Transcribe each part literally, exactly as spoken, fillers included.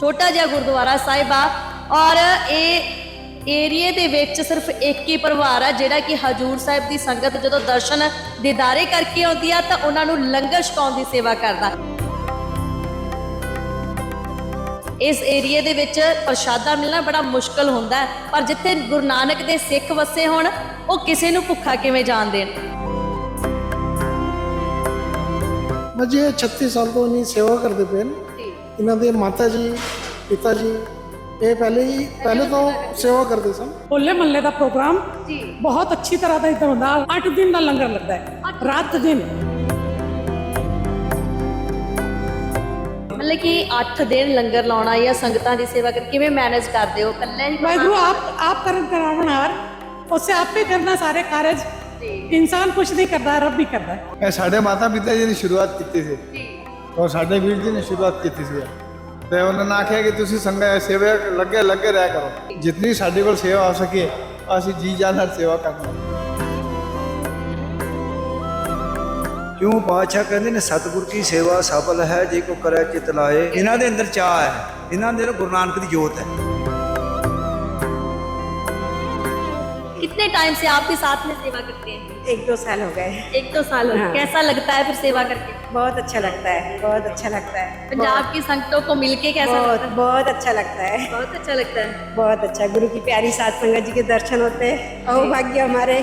ਛੋਟਾ ਜਿਹਾ ਗੁਰਦੁਆਰਾ ਸਾਹਿਬ ਆ ਔਰ ਇਹ ਏਰੀਏ ਦੇ ਵਿੱਚ ਸਿਰਫ ਇੱਕ ਹੀ ਪਰਿਵਾਰ ਆ ਜਿਹੜਾ ਕਿ ਹਜੂਰ ਸਾਹਿਬ ਦੀ ਸੰਗਤ ਜਦੋਂ ਦਰਸ਼ਨ ਦੀਦਾਰੇ ਕਰਕੇ ਆਉਂਦੀ ਆ ਤਾਂ ਉਹਨਾਂ ਨੂੰ ਲੰਗਰ ਛਕਾਉਣ ਦੀ ਸੇਵਾ ਕਰਦਾ। ਇਸ ਏਰੀਏ ਦੇ ਵਿੱਚ ਪ੍ਰਸ਼ਾਦਾ ਮਿਲਣਾ ਬੜਾ ਮੁਸ਼ਕਲ ਹੁੰਦਾ ਹੈ, ਪਰ ਜਿੱਥੇ ਗੁਰੂ ਨਾਨਕ ਦੇ ਸਿੱਖ ਵਸੇ ਹੋਣ ਉਹ ਕਿਸੇ ਨੂੰ ਭੁੱਖਾ ਕਿਵੇਂ ਜਾਣ ਦੇਣ। जी छत्तीस साल तो इन्हीं सेवा करते पे इन्हों के माता जी पिता जी ये पहले ही पहले तो सेवा करते सन। होले महल्ले का प्रोग्राम बहुत अच्छी तरह का इधर होता है। अठ दिन का लंगर लगता है, रात दिन मतलब कि अठ दिन लंगर लाना या संगतां दी सेवा कर किवें मैनेज करदे हो? कल्ले ही वाहिगुरु आप आप करन करावनहार उससे आप ही करना सारे कारज। इंसान कुछ नहीं करता, रब भी करता है। साढ़े माता पिता जी ने शुरुआत की थी और साढ़े वीर जी ने शुरुआत की थी तो उन्होंने आख्या कि तुसी संगत सेवा लगे लगे रह करो, जितनी साढ़े को सेवा हो सके असीं जी जान नाल सेवा करना। क्यों पातशाह कहते ने सतगुर की सेवा सफल है जे को करे चित लाए। इन्हां दे अंदर चाह है, इन्हां दे गुरु नानक दी जोत है। कितने टाइम से आप भी साथ में सेवा करते हैं? एक दो साल हो गए। एक दो साल हो गए। हाँ। कैसा लगता है फिर सेवा करके? बहुत अच्छा लगता है, बहुत अच्छा लगता है। पंजाब की संगतों को मिलके कैसा बहुत लगता है? बहुत अच्छा लगता है, बहुत अच्छा लगता है। बहुत अच्छा। गुरु की प्यारी सात संगत जी के दर्शन होते हैं और भाग्य हमारे।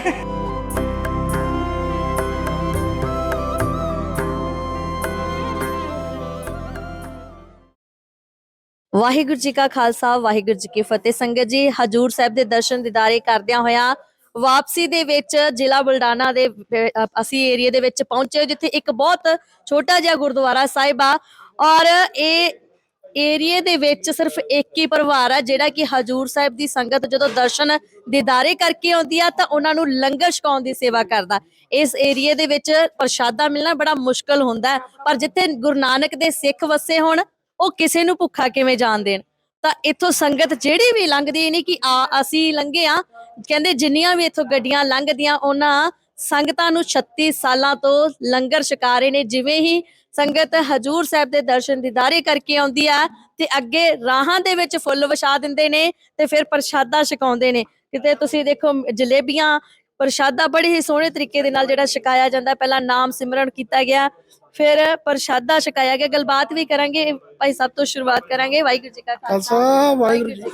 ਵਾਹਿਗੁਰੂ ਜੀ ਕਾ ਖਾਲਸਾ ਵਾਹਿਗੁਰੂ ਜੀ ਕੀ ਫਤਿਹ। ਸੰਗਤ ਜੀ ਹਜੂਰ ਸਾਹਿਬ ਦੇ ਦਰਸ਼ਨ ਦੀਦਾਰੇ ਕਰਦਿਆਂ ਹੋਇਆਂ ਵਾਪਸੀ ਦੇ ਵਿੱਚ ਜ਼ਿਲ੍ਹਾ ਬੁਲਢਾਣਾ ਦੇ ਅ, ਅਸੀਂ ਏਰੀਏ ਦੇ ਵਿੱਚ ਪਹੁੰਚੇ ਜਿੱਥੇ ਇੱਕ ਬਹੁਤ ਛੋਟਾ ਜਿਹਾ ਗੁਰਦੁਆਰਾ ਸਾਹਿਬ ਆ ਔਰ ਇਹ ਏਰੀਏ ਦੇ ਵਿੱਚ ਸਿਰਫ ਇੱਕ ਹੀ ਪਰਿਵਾਰ ਆ ਜਿਹੜਾ ਕਿ ਹਜੂਰ ਸਾਹਿਬ ਦੀ ਸੰਗਤ ਜਦੋਂ ਦਰਸ਼ਨ ਦੀਦਾਰੇ ਕਰਕੇ ਆਉਂਦੀ ਆ ਤਾਂ ਉਹਨਾਂ ਨੂੰ ਲੰਗਰ ਛਕਾਉਣ ਦੀ ਸੇਵਾ ਕਰਦਾ। ਇਸ ਏਰੀਏ ਦੇ ਵਿੱਚ ਪ੍ਰਸ਼ਾਦਾ ਮਿਲਣਾ ਬੜਾ ਮੁਸ਼ਕਲ ਹੁੰਦਾ ਹੈ, ਪਰ ਜਿੱਥੇ ਗੁਰੂ ਨਾਨਕ ਦੇ ਸਿੱਖ ਵਸੇ ਹੋਣ ਉਹ ਕਿਸੇ ਨੂੰ ਭੁੱਖਾ ਕਿਵੇਂ ਜਾਣ ਦੇਣ। ਤਾਂ ਇੱਥੋਂ ਸੰਗਤ ਜਿਹੜੀ ਵੀ ਲੰਘਦੀ ਨਹੀਂ ਕਿ ਆ ਅਸੀਂ ਲੰਘੇ ਆ, ਕਹਿੰਦੇ ਜਿੰਨੀਆਂ ਵੀ ਇੱਥੋਂ ਗੱਡੀਆਂ ਲੰਘਦੀਆਂ ਉਹਨਾਂ ਸੰਗਤਾਂ ਨੂੰ ਛੱਤੀ ਸਾਲਾਂ ਤੋਂ ਲੰਗਰ ਛਕਾ ਰਹੇ ਨੇ। ਜਿਵੇਂ ਹੀ ਸੰਗਤ ਹਜੂਰ ਸਾਹਿਬ ਦੇ ਦਰਸ਼ਨ ਦੀਦਾਰੇ ਕਰਕੇ ਆਉਂਦੀ ਆ ਤੇ ਅੱਗੇ ਰਾਹਾਂ ਦੇ ਵਿੱਚ ਫੁੱਲ ਵਿਛਾ ਦਿੰਦੇ ਨੇ ਤੇ ਫਿਰ ਪ੍ਰਸ਼ਾਦਾ ਛਕਾਉਂਦੇ ਨੇ। ਕਿਤੇ ਤੁਸੀਂ ਦੇਖੋ ਜਲੇਬੀਆਂ ਪ੍ਰਸ਼ਾਦਾ ਬੜੇ ਹੀ ਸੋਹਣੇ ਤਰੀਕੇ ਦੇ ਨਾਲ ਜਿਹੜਾ ਛਕਾਇਆ ਜਾਂਦਾ। ਪਹਿਲਾਂ ਨਾਮ ਸਿਮਰਨ ਕੀਤਾ ਗਿਆ, ਫਿਰ ਪ੍ਰਸ਼ਾਦਾ ਛਕਾਇਆ ਗਿਆ। ਗੱਲਬਾਤ ਵੀ ਕਰਾਂਗੇ ਭਾਈ ਸਾਹਿਬ ਤੋਂ ਸ਼ੁਰੂਆਤ ਕਰਾਂਗੇ। ਵਾਹਿਗੁਰੂ ਜੀ ਕਾ ਖਾਲਸਾ ਵਾਹਿਗੁਰੂ ਜੀ।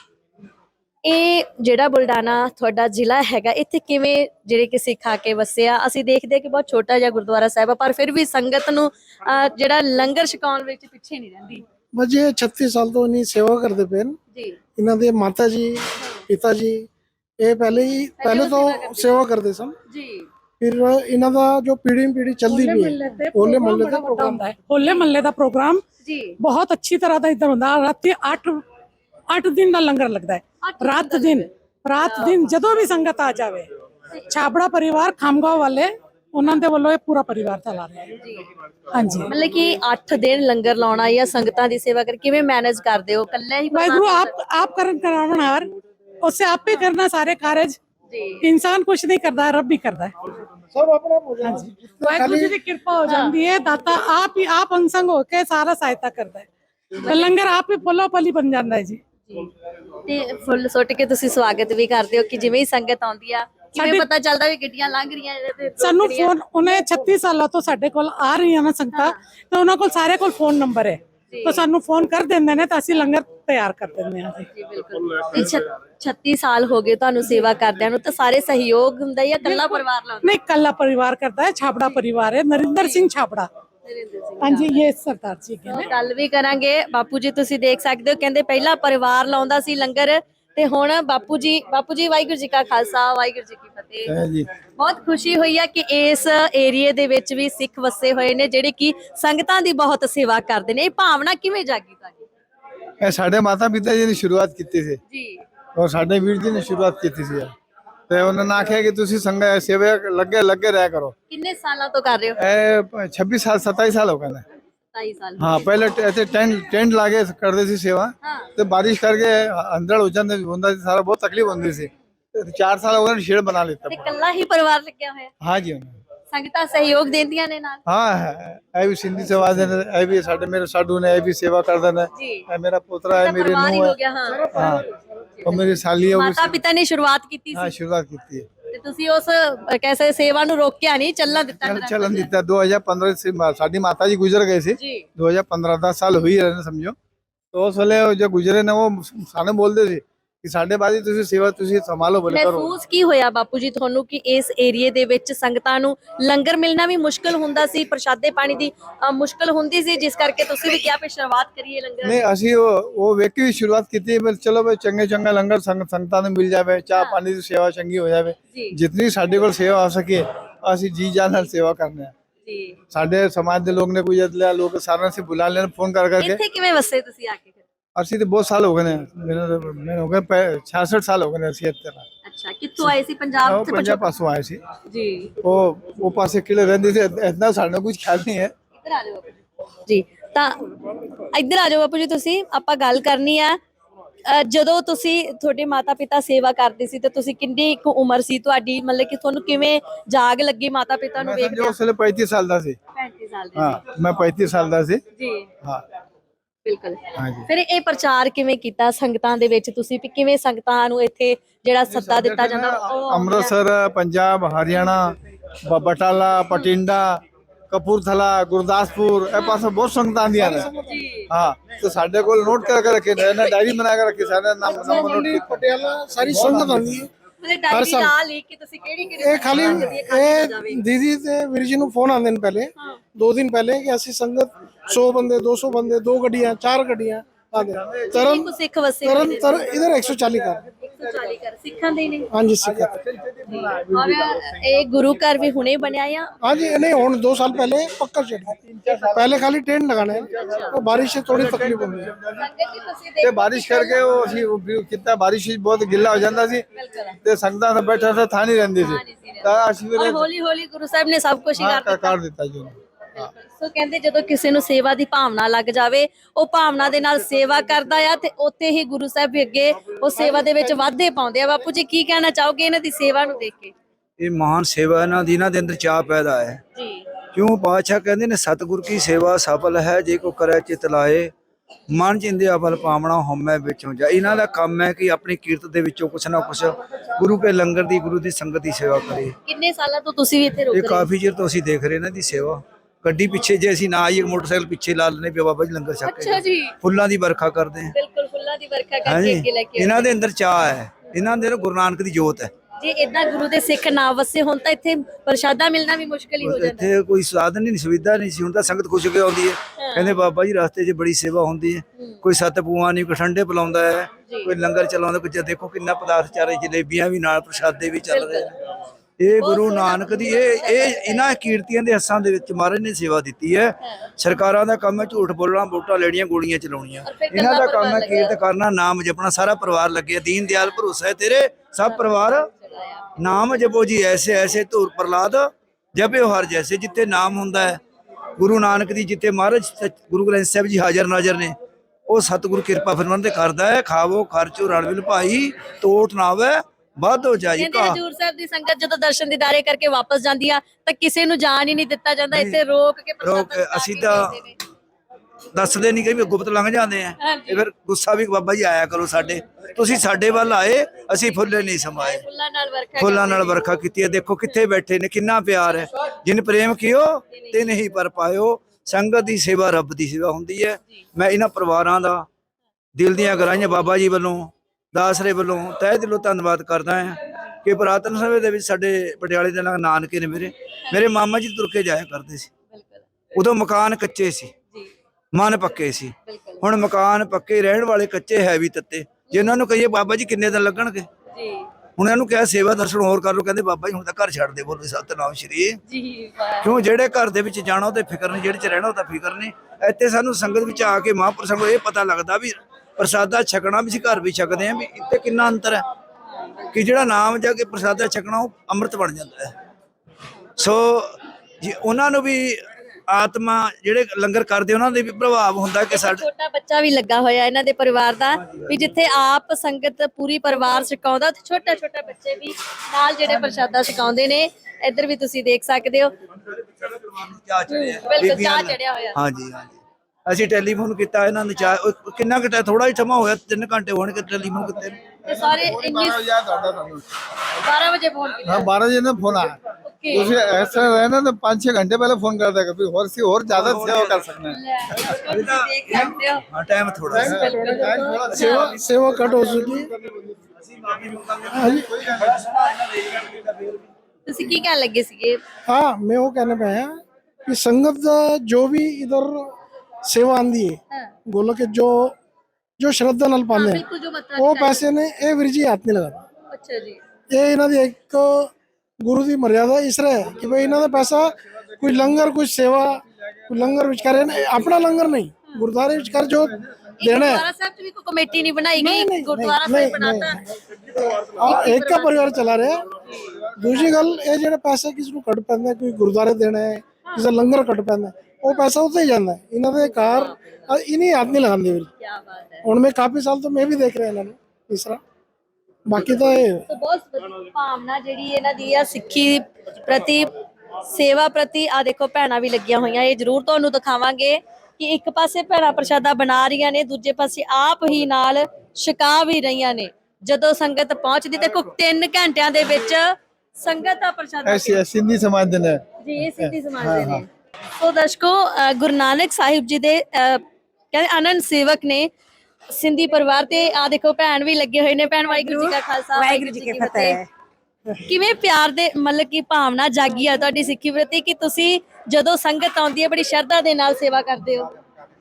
ਇਹ ਜਿਹੜਾ ਬੁਲਢਾਣਾ ਤੁਹਾਡਾ ਜ਼ਿਲ੍ਹਾ ਹੈਗਾ ਇੱਥੇ ਕਿਵੇਂ ਜਿਹੜੇ ਕਿ ਸਿੱਖ ਆ ਕੇ ਵਸੇ ਆ? ਅਸੀਂ ਦੇਖਦੇ ਆ ਕਿ ਬਹੁਤ ਛੋਟਾ ਜਿਹਾ ਗੁਰਦੁਆਰਾ ਸਾਹਿਬ ਆ ਪਰ ਫਿਰ ਵੀ ਸੰਗਤ ਨੂੰ ਜਿਹੜਾ ਲੰਗਰ ਛਕਾਉਣ ਵਿੱਚ ਪਿੱਛੇ ਨਹੀਂ ਰਹਿੰਦੀ। बस ये छत्तीस साल तो इन्हीं सेवा करते पे ਜੀ इन्हों के माता जी पिता जी ये पहले ही पहले तो सेवा करते सन। ਜੀ फिर इन्हों का जो पीढ़ी पीढ़ी चलती भी है होले महल्ले का प्रोग्राम होता है। होले महल्ले का प्रोग्राम ਜੀ बहुत अच्छी तरह का इधर होता है। रात अठ अठ दिन का लंगर लगता है, रात दिन रात दिन ਜਦੋਂ भी संगत आ जावे। छाबड़ा परिवार खामगांव वाले उन्होंने वालों पूरा परिवार चला रहे हैं। हाँ जी मतलब कि अठ दिन लंगर लाना या संगतां दी सेवा कर किवें मैनेज करदे हो? कल्ले ही वाहिगुरु आप आप करन करावनहार उससे आप ही करना सारे कारज। इंसान कुछ नहीं करता, रब भी करता है। सब अपना भोजन वाहिगुरु जी की कृपा हो जाती है। दाता आप ही आप अनसंग होके सारा सहायता करता है। तो लंगर आप ही पोलो पली बन जाता है जी। ਤੇ ਫੁੱਲ ਸੁੱਟ ਕੇ ਤੁਸੀਂ ਸਵਾਗਤ ਵੀ ਕਰਦੇ ਹੋ ਕਿ ਜਿਵੇਂ ਹੀ ਸੰਗਤ ਆਉਂਦੀ ਆ ਕਿਵੇਂ ਪਤਾ ਚੱਲਦਾ ਵੀ ਗੱਡੀਆਂ ਲੰਘ ਰਹੀਆਂ ਇਹਦੇ ਤੇ ਸਾਨੂੰ ਫੋਨ ਉਹਨੇ ਛੱਤੀ ਸਾਲਾਂ ਤੋਂ ਸਾਡੇ ਕੋਲ ਆ ਰਹੀਆਂ ਨੇ ਸੰਗਤਾਂ ਤੇ ਉਹਨਾਂ ਕੋਲ ਸਾਰੇ ਕੋਲ ਫੋਨ ਨੰਬਰ ਹੈ ਤਾਂ ਸਾਨੂੰ ਫੋਨ ਕਰ ਦਿੰਦੇ ਨੇ ਤਾਂ ਅਸੀਂ ਲੰਗਰ ਤਿਆਰ ਕਰ ਦਿੰਦੇ ਹਾਂ ਜੀ। ਜੀ ਬਿਲਕੁਲ। ਤੇ ਛੱਤੀ ਸਾਲ ਹੋ ਗਏ ਤੁਹਾਨੂੰ ਸੇਵਾ ਕਰਦਿਆਂ ਨੂੰ, ਤਾਂ ਸਾਰੇ ਸਹਿਯੋਗ ਹੁੰਦਾ ਜਾਂ ਇਕੱਲਾ ਪਰਿਵਾਰ ਲਾਉਂਦਾ? नहीं कल्ला परिवार करता है, छाबड़ा परिवार है, नरिंदर सिंह छाबड़ा। हाँ जी ये सरदार जी के ने। ਗੱਲ ਵੀ ਕਰਾਂਗੇ। ਬਾਪੂ ਜੀ ਤੁਸੀਂ ਦੇਖ ਸਕਦੇ ਹੋ ਕਹਿੰਦੇ ਪਹਿਲਾਂ ਪਰਿਵਾਰ ਲਾਉਂਦਾ ਸੀ ਲੰਗਰ ਤੇ ਹੁਣ ਬਾਪੂ ਜੀ ਬਾਪੂ ਜੀ ਵਾਹਿਗੁਰੂ ਜੀ ਕਾ ਖਾਲਸਾ ਵਾਹਿਗੁਰੂ ਜੀ ਕੀ ਫਤਿਹ ਜੀ। ਬਹੁਤ ਖੁਸ਼ੀ ਹੋਈ ਹੈ ਕਿ ਇਸ ਏਰੀਏ ਦੇ ਵਿੱਚ ਵੀ ਸਿੱਖ ਵਸੇ ਹੋਏ ਨੇ ਜਿਹੜੇ ਕਿ ਸੰਗਤਾਂ ਦੀ ਬਹੁਤ ਸੇਵਾ ਕਰਦੇ ਨੇ। ਇਹ ਭਾਵਨਾ ਕਿਵੇਂ ਜਾਗੀ ਤੁਹਾਡੀ? ਇਹ ਸਾਡੇ ਮਾਤਾ ਪਿਤਾ ਜੀ ਨੇ ਸ਼ੁਰੂਆਤ ਕੀਤੀ ਸੀ ਜੀ ਔਰ ਸਾਡੇ ਵੀਰ ਜੀ ਨੇ ਸ਼ੁਰੂਆਤ ਕੀਤੀ ਸੀ ਤੇ ਉਹਨਾਂ ਨੇ ਆਖਿਆ ਕਿ ਤੁਸੀਂ ਸੰਗਤ ਸੇਵਾ ਲੱਗੇ ਲੱਗੇ ਰਹਿ ਕਰੋ। ਕਿੰਨੇ ਸਾਲਾਂ ਤੋਂ ਕਰ ਰਹੇ ਹੋ? ਇਹ छब्बीस साल सत्ताईस साल हो गए ने। ਸਤਾਈ ਸਾਲ। हाँ पहले ऐसे टेंट टेंट लाके करते सी सेवा हाँ। तो बारिश करके अंदर हो जाते होंदा सी, सारा बहुत तकलीफ होंदी सी। ते चार साल हो गए शेड बना लेता। ਤੇ ਇਕੱਲਾ ਹੀ ਪਰਿਵਾਰ ਲੱਗਿਆ ਹੋਇਆ? हाँ जी ਸੰਗਤਾਂ ਸਹਿਯੋਗ ਦਿੰਦੀਆਂ ਨੇ ਨਾਲ। हाँ है ये भी सिंधी सेवा देने ये भी साढ़े मेरे साधु ने ये भी सेवा कर देना जी। ये मेरा पोतरा है ਤਾਂ मेरे ਪਰਿਵਾਰ ਹੀ नूह ਹੋ है ਗਿਆ। ਹਾਂ हाँ और मेरी साली है वो ਮਾਤਾ ਪਿਤਾ ਨੇ ਸ਼ੁਰੂਆਤ ਕੀਤੀ हाँ ਸੀ शुरुआत की थी ਤੇ ਤੁਸੀਂ ਉਸ ਅ, कैसे सेवा ਨੂੰ ਰੋਕਿਆ ਨਹੀਂ, ਚੱਲਣ ਦਿੱਤਾ चल ਨਿरंतर। चलन दिता दो हजार पंद्रह से साड़ी माता जी गुजर गए थे जी। दो हजार पंद्रह दस साल हुई रहने समझो तो उस वेले जो गुजरे ने वो साने बोलते थे कि साढ़े बाजी तुसी सेवा तुसी संभालो बोले करो ਮਹਿਸੂਸ ਕੀ ਹੋਇਆ ਬਾਪੂ ਜੀ ਤੁਹਾਨੂੰ ਕਿ ਇਸ ਏਰੀਏ ਦੇ ਵਿੱਚ ਸੰਗਤਾਂ ਨੂੰ ਲੰਗਰ ਮਿਲਣਾ ਵੀ ਮੁਸ਼ਕਲ ਹੁੰਦਾ ਸੀ, ਪ੍ਰਸ਼ਾਦੇ ਪਾਣੀ ਦੀ ਅ, ਮੁਸ਼ਕਲ ਹੁੰਦੀ ਸੀ, ਜਿਸ ਕਰਕੇ ਤੁਸੀਂ ਵੀ ਕਿਹਾ ਵੀ ਸ਼ੁਰੂਆਤ ਕਰੀਏ ਲੰਗਰ नहीं असी वो वो वेखी हुई शुरुआत की थी बस चलो भाई चंगे चंगा लंगर संग संगतां ਨੂੰ मिल जावे चाह पानी ਦੀ सेवा चंगी हो जावे ਜੀ जितनी ਸਾਡੇ ਕੋਲ सेवा हो सके ਅਸੀਂ ਜੀ ਜਾਨ ਨਾਲ सेवा करने हैं ਜੀ। ਸਾਡੇ ਸਮਾਜ ਦੇ ਲੋਕ ਨੇ ਕੋਈ ਲਿਆ ਲੋਕ ਸਾਰਿਆਂ ਸੇ ਬੁਲਾ ਲੈਣ ਫੋਨ ਕਰ ਕਰਕੇ ਇੱਥੇ ਕਿਵੇਂ ਵਸੇ ਤੁਸੀਂ ਆ ਕੇ ਫਿਰ? ਅਸੀਂ ਤੇ ਬਹੁਤ ਸਾਲ ਹੋ ਗਏ ਨੇ ਮੇਰੇ ਮੈਨੂੰ ਹੋ ਗਏ ਪੈ- ਛਿਆਸਠ ਸਾਲ ਹੋ ਗਏ ਨੇ ਅਸੀਂ ਇੱਥੇ ਨਾ ਅੱਛਾ, ਕਿੱਥੋਂ ਆਏ ਸੀ? ਪੰਜਾਬ ਉਹ ਚ ਪੰਜਾਬ ਪਾਸੋਂ ਆਏ ਸੀ ਜੀ। ਉਹ ਉਹ ਪਾਸੇ ਕਿਲੇ ਰਹਿੰਦੇ ਸੀ ਇਤਨਾ ਸਾਨੂੰ ਕੁਝ ਖਿਆਲ ਨਹੀਂ ਹੈ ਇੱਧਰ ਆ ਜਾਓ ਬਾਪੂ ਜੀ। ਜੀ ਤਾਂ ਇੱਧਰ ਆ ਜਾਓ ਬਾਪੂ ਜੀ, ਤੁਸੀਂ ਆਪਾਂ ਗੱਲ ਕਰਨੀ ਆ ਅ, ਜਦੋਂ ਤੁਸੀਂ ਤੁਹਾਡੇ ਮਾਤਾ ਪਿਤਾ ਸੇਵਾ ਕਰਦੇ ਸੀ ਤੇ ਤੁਸੀਂ ਕਿੰਨੀ ਕੁ ਉਮਰ ਸੀ ਤੁਹਾਡੀ, ਮਤਲਬ ਕਿ ਤੁਹਾਨੂੰ ਕਿਵੇਂ ਜਾਗ ਲੱਗੀ ਮਾਤਾ ਪਿਤਾ ਨੂੰ ਮੈਂ ਵੇਖ ਸਮਝੋ ਉਸ ਵੇਲੇ ਪੈਂਤੀ ਸਾਲ ਦਾ ਸੀ ਪੈਂਤੀ ਸਾਲ ਦੇ ਹਾਂ ਮੈਂ ਪੈਂਤੀ ਸਾਲ ਦਾ ਸੀ ਸੀ ਜੀ। ਹਾਂ ਬਿਲਕੁਲ। ਹਾਂ ਜੀ ਫਿਰ ਇਹ ਪ੍ਰਚਾਰ ਕਿਵੇਂ ਕੀਤਾ ਸੰਗਤਾਂ ਦੇ ਵਿੱਚ ਤੁਸੀਂ ਵੀ ਕਿਵੇਂ ਸੰਗਤਾਂ ਨੂੰ ਇੱਥੇ ਜਿਹੜਾ ਸੱਦਾ ਦਿੱਤਾ ਜਾਂਦਾ ਉਹ ਅੰਮ੍ਰਿਤਸਰ ਪੰਜਾਬ ਹਰਿਆਣਾ ਬ- ਬਟਾਲਾ ਪਟਿੰਡਾ ਕਪੂਰਥਲਾ ਗੁਰਦਾਸਪੁਰ ਇਹ ਪਾਸੇ ਬਹੁਤ ਸੰਗਤਾਂ ਆਉਂਦੀਆਂ ਨੇ ਜੀ। ਹਾਂ ਤੇ ਸਾਡੇ ਕੋਲ ਨੋਟ ਕਰਕੇ ਰੱਖੇ ਨੇ ਇਹਨਾਂ ਡਾਇਰੀ ਬਣਾ ਕੇ ਰੱਖੀ ਸਾਰੇ ਨਾਮ ਨਾਮ ਨੋਟ ਕੀਤੇ ਪਟਿਆਲਾ ਸਾਰੀ ਸੰਗਤ ਆਉਂਦੀ ਹੈ ਮਤਲਬ ਡਾਇਰੀ ਨਾਲ ਲਿਖ ਕੇ ਤੁਸੀਂ ਕਿਹੜੀ ਕਿਹੜੀ ਇਹ ਖਾਲੀ ਇਹ ਦੀਦੀ ਤੇ ਵੀਰ ਜੀ ਨੂੰ ਫੋਨ ਆਉਂਦੇ ਨੇ ਪਹਿਲੇ ਦੋ ਦਿਨ ਪਹਿਲੇ ਕਿ ਅਸੀਂ ਸੰਗਤ सौ ਬੰਦੇ दो सौ ਬੰਦੇ ਦੋ ਗੱਡੀਆਂ ਚਾਰ ਗੱਡੀਆਂ ਆਦੇ ਤਰਨ ਕੁ ਸਿੱਖ ਵਸੇ ਤਰਨ ਤਰ ਇਧਰ एक सौ चालीस ਕਰ ਇੱਕ ਸੌ ਚਾਲੀ ਕਰ ਸਿੱਖਾਂ ਦੇ ਨੇ। ਹਾਂਜੀ ਸਿੱਖ ਔਰ ਇਹ ਗੁਰੂ ਘਰ ਵੀ ਹੁਣੇ ਬਣਿਆ ਆ। ਹਾਂਜੀ ਨਹੀਂ ਹੁਣ दो साल पहले पक्का चढ़ा पहले खाली टेंट लगाने हैं बारिश से थोड़ी तकलीफ होती है ਸੰਗਤ ਜੀ ਤੁਸੀਂ ਤੇ ਬਾਰਿਸ਼ ਕਰਕੇ ਉਹ ਅਸੀਂ ਉਹ ਵੀ ਕੀਤਾ ਬਾਰਿਸ਼ ਵਿੱਚ ਬਹੁਤ ਗਿੱਲਾ ਹੋ ਜਾਂਦਾ ਸੀ ਤੇ ਸੰਗਤਾਂ ਦਾ ਬੈਠਾ ਤਾਂ ਥਾਂ ਨਹੀਂ ਰਹਿੰਦੀ ਸੀ ਤਾਂ ਅਸੀਂ ਔਰ ਫਿਰ ਹੌਲੀ ਹੌਲੀ ਗੁਰੂ ਸਾਹਿਬ ਨੇ ਸਭ ਕੁਝ ਹੀ ਹਾਂ ਕਰ ਕਰ ਦਿੱਤਾ ਜੀ ਉਹਨੇ। ਸੋ ਕਹਿੰਦੇ ਜਦੋਂ ਕਿਸੇ ਨੂੰ ਸੇਵਾ ਦੀ ਭਾਵਨਾ ਲੱਗ ਜਾਵੇ ਉਹ ਭਾਵਨਾ ਦੇ ਨਾਲ ਸੇਵਾ ਕਰਦਾ ਆ ਤੇ ਉੱਥੇ ਹੀ ਗੁਰੂ ਸਾਹਿਬ ਵੀ ਅੱਗੇ ਉਹ ਸੇਵਾ ਦੇ ਵਿੱਚ ਵਾਧੇ ਪਾਉਂਦੇ ਆ। ਬਾਪੂ ਜੀ ਕੀ ਕਹਿਣਾ ਚਾਹੋਗੇ ਇਹਨਾਂ ਦੀ ਸੇਵਾ ਨੂੰ ਦੇਖ ਕੇ? ਇਹ ਮਹਾਨ ਸੇਵਾ ਇਹਨਾਂ ਦੀ ਇਹਨਾਂ ਦੇ ਅੰਦਰ ਚਾਹ ਪੈਦਾ ਹੈ ਜੀ ਕਿਉਂ ਪਾਤਸ਼ਾਹ ਕਹਿੰਦੇ ਨੇ ਸਤਿਗੁਰ ਕੀ ਸੇਵਾ ਸਫਲ ਹੈ ਜੇ ਕੋ ਕਰੇ ਚਿਤ ਲਾਏ ਮਨ ਚਿੰਦੇ ਅਵਲ ਪਾਵਣਾ ਹਉਮੈ ਵਿੱਚੋਂ ਜਾ। ਇਹਨਾਂ ਦਾ ਕੰਮ ਹੈ ਕਿ ਆਪਣੀ ਕੀਰਤ ਦੇ ਵਿੱਚੋਂ ਕੁਛ ਨਾ ਕੁਛ ਗੁਰੂ ਕੇ ਲੰਗਰ ਦੀ ਗੁਰੂ ਦੀ ਸੰਗਤ ਦੀ ਸੇਵਾ ਕਰੇ। ਕਿੰਨੇ ਸਾਲਾਂ ਤੋਂ ਤੁਸੀਂ ਵੀ ਇੱਥੇ ਰੁਕ ਇਹ ਰਹੇ ਹੋ? ਕਾਫੀ ਚਿਰ ਤੋਂ ਅਸੀਂ ਦੇਖ ਰਹੇ ਇਹਨਾਂ ਦੀ ਸੇਵਾ। ਗੱਡੀ ਪਿੱਛੇ ਜੇ ਅਸੀਂ ਨਾ ਆਈਏ ਮੋਟਰਸਾਈਕਲ ਪਿੱਛੇ ਲਾ ਲੈਣੇ ਪਿਆ ਬਾਬਾ ਜੀ ਲੰਗਰ ਛਕ ਅੱਛਾ ਕੇ ਜੀ। ਫੁੱਲਾਂ ਦੀ ਵਰਖਾ ਕਰਦੇ ਆ। ਬਿਲਕੁਲ ਫੁੱਲਾਂ ਦੀ ਵਰਖਾ ਕਰਕੇ ਹਾਂਜੀ ਅੱਗੇ ਲੈ ਕੇ ਇਹਨਾਂ ਦੇ ਅੰਦਰ ਚਾਹ ਹੈ, ਇਹਨਾਂ ਦੇ ਅੰਦਰ ਗੁਰੂ ਨਾਨਕ ਦੀ ਜੋਤ ਹੈ। ਜੇ ਇਦਾਂ ਗੁਰੂ ਦੇ ਸਿੱਖ ਨਾ ਵਸੇ ਹੁਣ ਤਾਂ ਇੱਥੇ ਪ੍ਰਸ਼ਾਦਾ ਮਿਲਣਾ ਵੀ ਮੁਸ਼ਕਲ ਹੀ ਹੋ ਜਾਂਦਾ। ਇੱਥੇ ਕੋਈ ਸਾਧਨ ਨਹੀਂ ਸੁਵਿਧਾ ਨਹੀਂ ਸੀ, ਹੁਣ ਤਾਂ ਸੰਗਤ ਖੁਸ਼ ਹੋ ਕੇ ਆਉਂਦੀ ਹੈ। ਕਹਿੰਦੇ ਬਾਬਾ ਜੀ ਰਸਤੇ 'ਚ ਬੜੀ ਸੇਵਾ ਹੁੰਦੀ ਹੈ, ਕੋਈ ਸੱਤ ਪੂਆ ਨਹੀਂ, ਕੋਈ ਠੰਡੇ ਪਿਲਾਉਂਦਾ ਹੈ, ਕੋਈ ਲੰਗਰ ਚਲਾਉਂਦਾ, ਕੋਈ ਦੇਖੋ ਕਿੰਨਾ ਪਦਾਰਥ ਚੱਲ ਰਿਹਾ, ਜਲੇਬੀਆਂ ਵੀ ਨਾਲ ਪ੍ਰਸ਼ਾਦੇ ਵੀ ਚੱਲ ਰਹੇ ਨੇ। ਇਹ ਗੁਰੂ ਨਾਨਕ ਦੀ ਇਹ ਇਹ ਇਹਨਾਂ ਕੀਰਤੀਆਂ ਦੇ ਹੱਥਾਂ ਦੇ ਵਿੱਚ ਮਹਾਰਾਜ ਨੇ ਸੇਵਾ ਦਿੱਤੀ ਹੈ। ਸਰਕਾਰਾਂ ਦਾ ਕੰਮ ਹੈ ਝੂਠ ਬੋਲਣਾ, ਵੋਟਾਂ ਲੈਣੀਆਂ, ਗੋਲੀਆਂ ਚਲਾਉਣੀਆਂ। ਇਹਨਾਂ ਦਾ ਕੰਮ ਹੈ ਕੀਰਤ ਕਰਨਾ, ਨਾਮ ਜਪਣਾ। ਸਾਰਾ ਪਰਿਵਾਰ ਲੱਗਿਆ। ਦੀਨ ਦਿਆਲ ਭਰੋਸਾ ਹੈ ਤੇਰੇ ਸਭ ਪਰਿਵਾਰ ਨਾਮ ਜਪੋ ਜੀ ਐਸੇ ਐਸੇ ਧੂਰ ਪ੍ਰਲਾਦ ਜਪਿਓ ਹਰ ਜੈਸੇ। ਜਿੱਥੇ ਨਾਮ ਹੁੰਦਾ ਹੈ ਗੁਰੂ ਨਾਨਕ ਦੀ, ਜਿੱਥੇ ਮਹਾਰਾਜ ਸੱਚ- ਗੁਰੂ ਗ੍ਰੰਥ ਸਾਹਿਬ ਜੀ ਹਾਜ਼ਰ ਨਾਜ਼ਰ ਨੇ, ਉਹ ਸਤਿਗੁਰੂ ਕਿਰਪਾ ਫਰਮਾਨ ਤੇ ਕਰਦਾ ਹੈ। ਖਾਵੋ ਖਰਚੋ ਰਣਵਿਲ ਭਾਈ ਤੋਟ ਨਾ ਆਵੇ ਵੱਧ ਹੋ ਜਾਈ। ਕਹਿੰਦੇ ਹਜੂਰ ਸਾਹਿਬ ਦੀ ਸੰਗਤ ਜਦੋਂ ਦਰਸ਼ਨ ਦੀਦਾਰੇ ਕਰਕੇ ਵਾਪਸ ਜਾਂਦੀ ਆ ਤਾਂ ਕਿਸੇ ਨੂੰ ਜਾਣ ਹੀ ਨਹੀਂ ਦਿੱਤਾ ਜਾਂਦਾ, ਇੱਥੇ ਰੋਕ ਕੇ ਪ੍ਰਸ਼ਾਦਾ ਰੋਕ ਛਕਾ ਅਸੀਂ ਕੇ ਤਾਂ ਭੇਜਦੇ ਨੇ। ਦੱਸਦੇ ਨਹੀਂ ਕਿ ਵੀ ਗੁਪਤ ਲੰਘ ਜਾਂਦੇ ਆ। ਇਹ ਫਿਰ ਗੁੱਸਾ ਵੀ ਬਾਬਾ ਜੀ ਆਇਆ ਕਰੋ ਸਾਡੇ, ਤੁਸੀਂ ਸਾਡੇ ਵੱਲ ਆਏ, ਅਸੀਂ ਫੁੱਲੇ ਨਹੀਂ ਸਮਾਏ। ਫੁੱਲਾਂ ਨਾਲ ਵਰਖਾ ਫੁੱਲਾਂ ਨਾਲ ਵਰਖਾ ਕੀਤੀ ਹੈ। ਦੇਖੋ ਕਿੱਥੇ ਬੈਠੇ ਨੇ, ਕਿੰਨਾ ਪਿਆਰ ਹੈ। ਜਿਨ ਪ੍ਰੇਮ ਕੀਓ ਤੇ ਨਹੀਂ ਪਰ ਪਾਇਓ। ਸੰਗਤ ਦੀ ਸੇਵਾ ਰੱਬ ਦੀ ਸੇਵਾ ਹੁੰਦੀ ਹੈ। ਮੈਂ ਇਹਨਾਂ ਪਰਿਵਾਰਾਂ ਦਾ ਦਿਲ ਦੀਆਂ ਗਹਿਰਾਈਆਂ ਬਾਬਾ ਜੀ ਵੱਲੋਂ, ਦਾਸਰੇ ਵੱਲੋਂ ਤਹਿ ਦਿਲੋਂ ਧੰਨਵਾਦ ਕਰਦਾ ਹਾਂ ਕਿ ਪੁਰਾਤਨ ਸਮੇਂ ਦੇ ਵਿੱਚ ਸਾਡੇ ਪਟਿਆਲੇ ਦੇ ਨਾਲ ਨਾਨਕੇ ਨੇ ਮੇਰੇ ਮੇਰੇ ਮਾਮਾ ਜੀ ਤੁਰ ਕੇ ਜਾਇਆ ਕਰਦੇ ਸੀ। ਉਦੋਂ ਮਕਾਨ ਕੱਚੇ ਸੀ, ਮਨ ਪੱਕੇ ਸੀ। ਹੁਣ ਮਕਾਨ ਪੱਕੇ, ਰਹਿਣ ਵਾਲੇ ਕੱਚੇ, ਹੈ ਵੀ ਤੱਤੇ। ਜੇ ਉਹਨਾਂ ਨੂੰ ਕਹੀਏ ਬਾਬਾ ਜੀ ਕਿੰਨੇ ਦਿਨ ਲੱਗਣਗੇ, ਜੀ ਹੁਣ ਇਹਨੂੰ ਕਿਹਾ ਸੇਵਾ ਦਰਸ਼ਨ ਹੋਰ ਕਰ ਲਓ, ਕਹਿੰਦੇ ਬਾਬਾ ਜੀ ਹੁਣ ਤਾਂ ਘਰ ਛੱਡ ਦੇ, ਬੋਲੋ ਸਤਿਨਾਮ ਸ਼੍ਰੀ। ਜੀ ਵਾਹ। ਕਿਉਂ ਜਿਹੜੇ ਘਰ ਦੇ ਵਿੱਚ ਜਾਣਾ ਉਹਦੇ ਫਿਕਰ ਨਹੀਂ, ਜਿਹੜੇ ਚ ਰਹਿਣਾ ਉਹਦਾ ਫਿਕਰ ਨਹੀਂ। ਇੱਥੇ ਸਾਨੂੰ ਸੰਗਤ ਵਿੱਚ ਆ ਕੇ ਮਹਾਂਪੁਰਸ਼ਾਂ ਨੂੰ ਇਹ ਪਤਾ ਲੱਗਦਾ ਵੀ ਪ੍ਰਸਾਦਾ ਛਕਣਾ ਵੀ ਅਸੀਂ ਘਰ ਵੀ ਛਕਦੇ ਹਾਂ, ਵੀ ਇੱਥੇ ਕਿੰਨਾ ਅੰਤਰ ਹੈ ਕਿ ਜਿਹੜਾ ਨਾਮ ਜਾ ਕੇ ਪ੍ਰਸਾਦਾ ਛਕਣਾ ਉਹ ਅੰਮ੍ਰਿਤ ਬਣ ਜਾਂਦਾ ਹੈ। ਸੋ ਜੀ ਉਹਨਾਂ ਨੂੰ ਵੀ ਆਤਮਾ ਜਿਹੜੇ ਲੰਗਰ ਕਰਦੇ ਉਹਨਾਂ ਦੇ ਵੀ ਪ੍ਰਭਾਵ ਹੁੰਦਾ ਕਿ ਸਾਡੇ ਛੋਟਾ ਬੱਚਾ ਵੀ ਲੱਗਾ ਹੋਇਆ ਇਹਨਾਂ ਦੇ ਪਰਿਵਾਰ ਦਾ ਵੀ ਜਿੱਥੇ ਆਪ ਸੰਗਤ ਪੂਰੀ ਪਰਿਵਾਰ ਛਕਾਉਂਦਾ ਉੱਥੇ ਛੋਟਾ ਛੋਟਾ ਬੱਚੇ ਵੀ ਨਾਲ ਜਿਹੜੇ ਪ੍ਰਸ਼ਾਦਾ ਛਕਾਉਂਦੇ ਨੇ। ਇੱਧਰ ਵੀ ਤੁਸੀਂ ਦੇਖ ਸਕਦੇ ਹੋ ਚਾਹ ਚੜਿਆ ਬਿਲਕੁਲ ਚਾਹ ਚੜਿਆ ਹੋਇਆ। ਹਾਂਜੀ ਹਾਂਜੀ ਅਸੀਂ ਟੈਲੀਫੋਨ ਕੀਤਾ ਇਹਨਾਂ ਨੂੰ ਚਾਹ ਉਹ ਕਿੰਨਾ ਘਟਾ ਥੋੜਾ ਹੀ ਸਮਾਂ ਹੋਇਆ ਤਿੰਨ ਘੰਟੇ ਹੋਣਗੇ ਟੈਲੀਫੋਨ ਕੀਤੇ ਨੂੰ। ਤੇ ਸਾਰੇ ਇੰਨੀ ਯਾਦ ਤੁਹਾਡਾ ਤੁਹਾਨੂੰ ਬਾਰਾਂ ਵਜੇ ਫੋਨ ਕੀਤਾ। हाँ बारह बजे ने फोन आया ਓਕੇ ਤੁਸੀਂ ऐसा है ना तो पाँच छह घंटे पहले फोन कर देगा फिर और सी और ज्यादा सेवा कर सकते हैं। ਤੁਸੀਂ ਦੇਖ ਸਕਦੇ ਹੋ ਹਾਂ ਟਾਈਮ ਥੋੜਾ सेवा सेवा कट हो चुकी हाँ जी ਤੁਸੀਂ ਕੀ ਕਹਿਣ ਲੱਗੇ ਸੀਗੇ? हाँ मैं वो कहने पे आया कि संगत जो भी इधर सेवा आंदी है ਹਾਂ बोलो कि जो जो श्रद्धा नाल पाते हैं ਬਿਲਕੁਲ ਜੋ ਮੱਥਾ वो ਟੇਕਾਇਆ। पैसे ने ये ਵੀਰ ਜੀ ਹੱਥ ਨਹੀਂ ਲਗਾਉਂਦੇ। ਅੱਛਾ ਜੀ ਇਹ ਇਹਨਾਂ ਦੀ ਇੱਕ ਗੁਰੂ ਦੀ ਮਰਿਆਦਾ ਇਸ ਤਰ੍ਹਾਂ ਹੈ ਕਿ ਭਈ ਇਹਨਾਂ ਦਾ ਪੈਸਾ ਕੋਈ ਲੰਗਰ ਕੋਈ ਸੇਵਾ ਕੋਈ ਲੰਗਰ ਵਿੱਚ ਕਰੇ ਨਾ ਆਪਣਾ ਲੰਗਰ ਨਹੀਂ ਗੁਰਦੁਆਰੇ ਵਿੱਚ ਕਰ ਜੋ ਦੇਣਾ है ਗੁਰਦੁਆਰਾ ਸਾਹਿਬ ਚ ਵੀ ਕੋਈ ਕਮੇਟੀ ਨਹੀਂ ਬਣਾਈ नहीं, ਗਈ नहीं, ਗੁਰਦੁਆਰਾ नहीं, ਸਾਹਿਬ ਬਣਾਤਾ ਆ ਇੱਕ ਦਾ ਪਰਿਵਾਰ ਚਲਾ ਰਿਹਾ। ਦੂਜੀ ਗੱਲ ਇਹ ਜਿਹੜੇ ਪੈਸੇ ਕਿਸ ਨੂੰ ਕੱਢ ਪੈਂਦਾ ਕੋਈ ਗੁਰਦੁਆਰੇ ਦੇਣਾ ਹੈ ਕਿਸੇ ਦਾ ਲੰਗਰ ਕੱਢ ਪੈਂਦਾ ਉਹ ਪੈਸਾ ਉੱਥੇ ਹੀ ਜਾਂਦਾ ਹੈ। ਇਹਨਾਂ ਦੇ ਘਰ ਇਨੀ ਹੱਥ ਨਹੀਂ ਲਗਾਉਂਦੇ ਵੀਰ। ਕੀ ਬਾਤ ਹੈ। ਹੁਣ ਮੈਂ ਕਾਫੀ ਸਾਲ ਤੋਂ ਮੈਂ ਵੀ ਦੇਖ ਰਿਹਾ ਇਹਨਾਂ ਨੂੰ ਇਸ ਤਰ੍ਹਾਂ ਬਾਕੀ ਤਾਂ ਇਹ ਸੋ ਬਹੁਤ ਵਧੀਆ ਭਾਵਨਾ ਜਿਹੜੀ ਇਹਨਾਂ ਦੀ ਆ ਸਿੱਖੀ ਪ੍ਰਤੀ ਸੇਵਾ ਪ੍ਰਤੀ ਆ ਦੇਖੋ ਭੈਣਾਂ ਵੀ ਲੱਗੀਆਂ ਹੋਈਆਂ। ਇਹ ਜ਼ਰੂਰ ਤੁਹਾਨੂੰ ਦਿਖਾਵਾਂਗੇ ਕਿ ਇੱਕ ਪਾਸੇ ਭੈਣਾਂ ਪ੍ਰਸ਼ਾਦਾ ਬਣਾ ਰਹੀਆਂ ਨੇ ਦੂਜੇ ਪਾਸੇ ਆਪ ਹੀ ਨਾਲ ਛਕਾ ਵੀ ਰਹੀਆਂ ਨੇ। ਜਦੋਂ ਸੰਗਤ ਪਹੁੰਚਦੀ ਦੇਖੋ ਤਿੰਨ ਘੰਟਿਆਂ ਦੇ ਵਿੱਚ ਸੰਗਤ ਦਾ ਪ੍ਰਸ਼ਾਦਾ ऐसी है सिंधी समाज दिन है। ਜੀ ਇਹ ਸਿੱਧੀ ਸਮਾਜ ਦੇ ਨੇ। ਸੋ ਦਰਸ਼ਕੋ ਅ, ਗੁਰੂ ਨਾਨਕ ਸਾਹਿਬ ਜੀ ਦੇ ਅ, ਕਹਿੰਦੇ ਆਨੰਦ ਸੇਵਕ ਨੇ ਸਿੰਧੀ ਪਰਿਵਾਰ ਤੇ ਆ ਦੇਖੋ ਭੈਣ ਵੀ ਲੱਗੇ ਹੋਏ ਨੇ। ਭੈਣ ਵਾਹਿਗੁਰੂ ਜੀ ਕਾ ਖਾਲਸਾ ਵਾਹਿਗੁਰੂ ਜੀ ਕੀ ਫਤਿਹ। ਕਿਵੇਂ ਪਿਆਰ ਦੇ ਮਤਲਬ ਕਿ ਭਾਵਨਾ ਜਾਗੀ ਆ ਤੁਹਾਡੀ ਸਿੱਖੀ ਪ੍ਰਤੀ ਕਿ ਤੁਸੀਂ ਜਦੋਂ ਸੰਗਤ ਆਉਂਦੀ ਹੈ ਬੜੀ ਸ਼ਰਧਾ ਦੇ ਨਾਲ ਸੇਵਾ ਕਰਦੇ ਹੋ?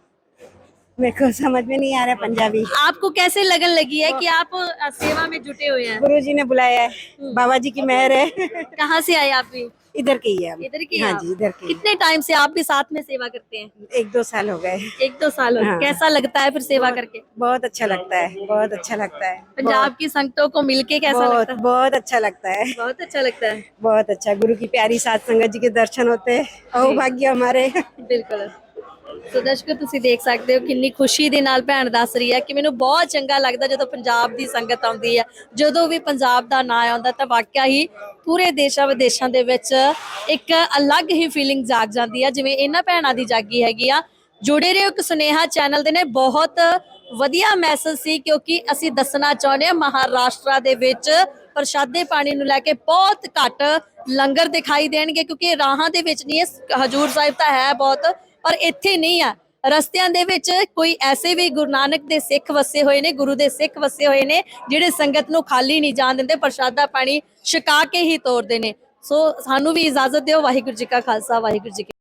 मेरे को समझ में नहीं आ रहा पंजाबी। आपको कैसे लगन लगी है कि आप अ, सेवा में जुटे हुए हैं? गुरु जी ने बुलाया है, बाबा जी की मेहर है। कहाँ से आए आप भी? इधर की है हम। इधर की हाँ आप? जी इधर की। कितने टाइम से आप भी साथ में सेवा करते हैं? एक दो साल हो गए। एक दो साल हो गए। हाँ। कैसा लगता है फिर सेवा करके? बहुत अच्छा लगता है, बहुत अच्छा लगता है। पंजाब की संगतों को मिलके कैसा बहुत लगता है? बहुत अच्छा लगता है, बहुत अच्छा लगता है। बहुत अच्छा। गुरु की प्यारी सात संगत जी के दर्शन होते हैं, सौभाग्य हमारे। ਬਿਲਕੁਲ ਸੋ ਦਰਸ਼ਕੋ ਤੁਸੀਂ ਦੇਖ ਸਕਦੇ ਹੋ ਕਿੰਨੀ ਖੁਸ਼ੀ ਦੇ ਨਾਲ ਭੈਣ ਦੱਸ ਰਹੀ ਹੈ ਕਿ ਮੈਨੂੰ ਬਹੁਤ ਚੰਗਾ ਲੱਗਦਾ ਜਦੋਂ ਪੰਜਾਬ ਦੀ ਸੰਗਤ ਆਉਂਦੀ ਹੈ। ਜਦੋਂ ਵੀ ਪੰਜਾਬ ਦਾ ਨਾਂ ਆਉਂਦਾ ਤਾਂ ਵਾਕਿਆ ਹੀ ਪੂਰੇ ਦੇਸ਼ਾਂ ਵਿਦੇਸ਼ਾਂ ਦੇ ਵਿੱਚ ਇੱਕ ਅਲੱਗ ਹੀ ਫੀਲਿੰਗ ਜਾਗ ਜਾਂਦੀ ਹੈ ਜਿਵੇਂ ਇਹਨਾਂ ਭੈਣਾਂ ਦੀ ਜਾਗੀ ਹੈਗੀ ਆ। ਜੁੜੇ ਰਹੋ ਇੱਕ ਸੁਨੇਹਾ ਚੈਨਲ ਦੇ ਨੇ। ਬਹੁਤ ਵਧੀਆ ਮੈਸੇਜ ਸੀ ਕਿਉਂਕਿ ਅਸੀਂ ਦੱਸਣਾ ਚਾਹੁੰਦੇ ਹਾਂ ਮਹਾਰਾਸ਼ਟਰ ਦੇ ਵਿੱਚ ਪ੍ਰਸ਼ਾਦੇ ਪਾਣੀ ਨੂੰ ਲੈ ਕੇ ਬਹੁਤ ਘੱਟ ਲੰਗਰ ਦਿਖਾਈ ਦੇਣਗੇ ਕਿਉਂਕਿ ਰਾਹਾਂ ਦੇ ਵਿੱਚ ਨਹੀਂ ਹੈ। ਹਜੂਰ ਸਾਹਿਬ ਤਾਂ ਹੈ ਬਹੁਤ ਪਰ ਇੱਥੇ ਨਹੀਂ ਆ। ਰਸਤਿਆਂ ਦੇ ਵਿੱਚ ਕੋਈ ਐਸੇ ਵੀ ਗੁਰੂ ਨਾਨਕ ਦੇ ਸਿੱਖ ਵਸੇ ਹੋਏ ਨੇ, ਗੁਰੂ ਦੇ ਸਿੱਖ ਵਸੇ ਹੋਏ ਨੇ ਜਿਹੜੇ ਸੰਗਤ ਨੂੰ ਖਾਲੀ ਨਹੀਂ ਜਾਣ ਦਿੰਦੇ, ਪ੍ਰਸ਼ਾਦਾ ਪਾਣੀ ਛਕਾ ਕੇ ਹੀ ਤੋਰਦੇ ਨੇ। ਸੋ ਸਾਨੂੰ ਵੀ ਇਜਾਜ਼ਤ ਦਿਓ। ਵਾਹਿਗੁਰੂ ਜੀ ਕਾ ਖਾਲਸਾ ਵਾਹਿਗੁਰੂ ਜੀ ਕੀ